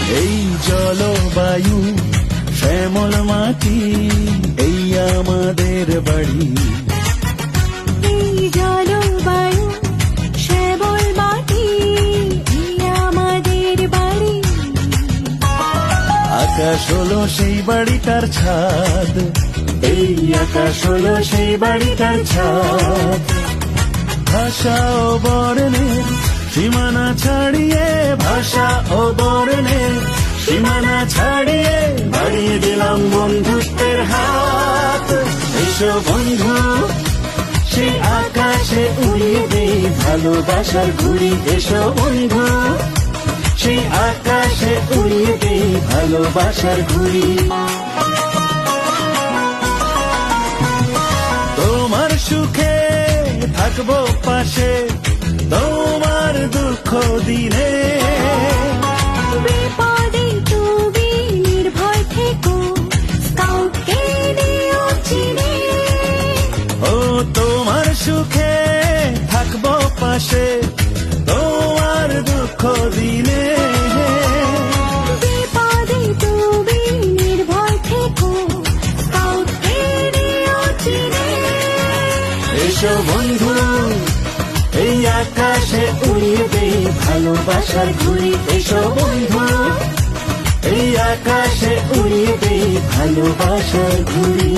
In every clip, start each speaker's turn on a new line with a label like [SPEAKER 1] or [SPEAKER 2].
[SPEAKER 1] এই জলবায়ু শ্যামল মাটি, এই আমাদের বাড়ি।
[SPEAKER 2] এই জলবায়ু শ্যামল মাটি, এই আমাদের বাড়ি।
[SPEAKER 1] আকাশ হলো সেই বাড়িটার ছাদ, এই আকাশ হলো সেই বাড়িটার ছাদ। ভাষা ও বর্ণের সীমানা ছাড়িয়ে, ভাষা ও বর্ণের সীমানা ছাড়িয়ে বাড়িয়ে দিলাম বন্ধুত্বের হাত। এসো বন্ধু, সেই আকাশে উড়িয়ে দেই ভালোবাসার ঘুড়ি। এসো বন্ধু, সেই আকাশে উড়িয়ে দেই ভালোবাসার ঘুড়ি। তোমার সুখে থাকবো পাশে, তোমার দুঃখ দিনে।
[SPEAKER 2] বিপদে তুমি নির্ভয় থেকো, স্কাউটকে নিও চিনে।
[SPEAKER 1] ও তোমার সুখে থাকবো পাশে, তোমার দুঃখ দিনে।
[SPEAKER 2] বিপদে তুমি নির্ভয় থেকো, স্কাউটকে নিও চিনে।
[SPEAKER 1] এসো বন্ধু, এই আকাশে উড়িয়ে দেই ভালোবাসার ঘুড়ি। এসো বন্ধু, এই আকাশে উড়িয়ে দেই ভালোবাসার ঘুড়ি।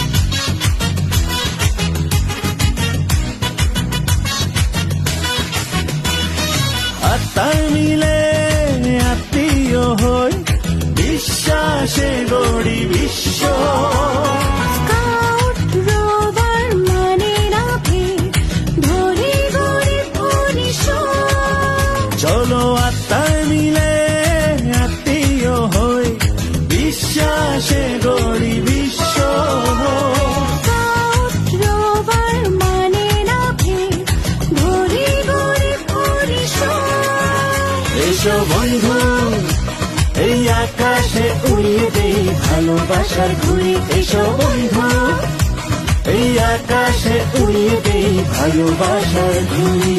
[SPEAKER 1] আত্মার মিলে আত্মীয় হই, বিশ্বাসে গড়ি বিশ্ব।
[SPEAKER 2] স্কাউট রোভার মানে না ভেদ, ধরে গড়ে পরিষদ।
[SPEAKER 1] চলো আত্মার মিলে আত্মীয় হই, বিশ্বাসে গড়ি বিশ্ব।
[SPEAKER 2] স্কাউট রোভার মানে না ভেদ, ধরে গড়ে পরিষদ।
[SPEAKER 1] এসো বন্ধু, এই আকাশে উড়িয়ে দেই ভালোবাসার ঘুড়ি। এসো বন্ধু, এই আকাশে উড়িয়ে দেই ভালোবাসার ঘুড়ি।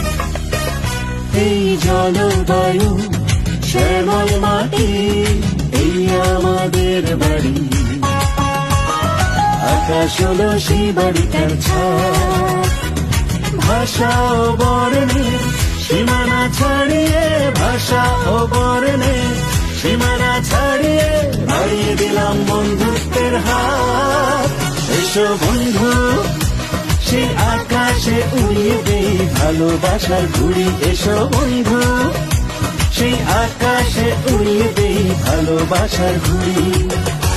[SPEAKER 1] এই জলবায়ু শ্যামল মাটি, এই আমাদের বাড়ি। আকাশ হলো সেই বাড়িটার ছাদ। ভাষা ও বর্ণের সীমানা ছাড়িয়ে, ভাষা ও বর্ণের সীমানা ছাড়িয়ে বাড়িয়ে দিলাম বন্ধুত্বের হাত। এসো বন্ধু, সেই আকাশে উড়িয়ে দেই ভালোবাসার ঘুড়ি। এসো বন্ধু, সেই আকাশে উড়িয়ে দেই ভালোবাসার ঘুড়ি।